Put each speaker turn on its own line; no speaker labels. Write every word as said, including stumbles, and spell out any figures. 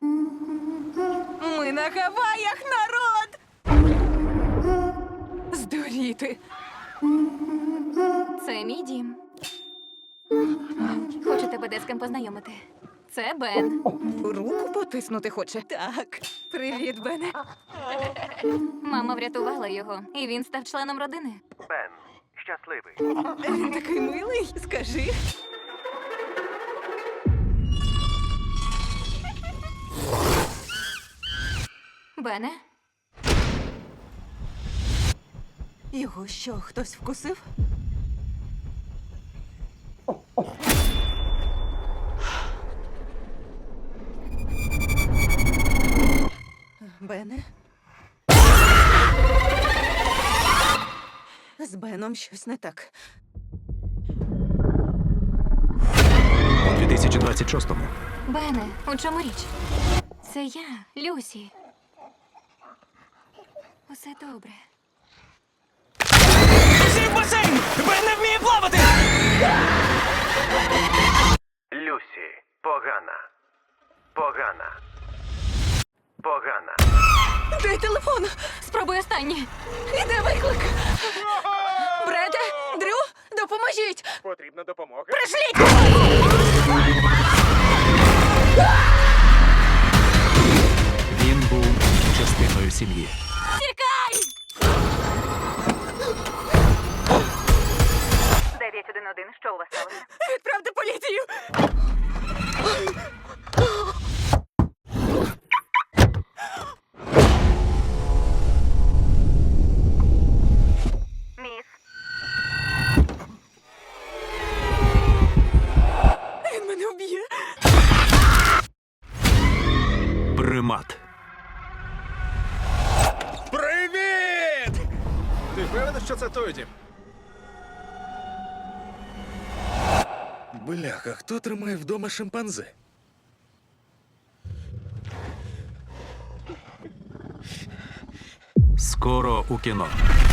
Ми на Гаваях, народ! Здуріти.
Це мій дім. Хочу тебе де з ким познайомити. Це Бен.
Руку потиснути хоче. Так. Привіт, Бене.
Мама врятувала його, і він став членом родини.
Бен, щасливий.
Він такий милий. Скажи.
Бене?
Його що, хтось вкусив? Бене? З Беном щось не так.
У дві тисячі двадцять шостому
Бене, у чому річ? Це я, Люсі. Усе добре.
Всі в басейн! Бен не вміє плавати!
Люсі, погана. Погана. Погана.
Дай телефон!
Спробуй останнє.
Іде виклик! Бреде, Дрю, допоможіть!
Потрібна допомога?
він був частиною сім'ї.
Тікай! дев'ять один один, що у вас сталося?
Відправте поліцію!
Міс.
Він мене вб'є!
Примат.
Привіт! Ти впевнений, що це той дім? Бляха, хто тримає вдома шимпанзе?
Скоро у кіно.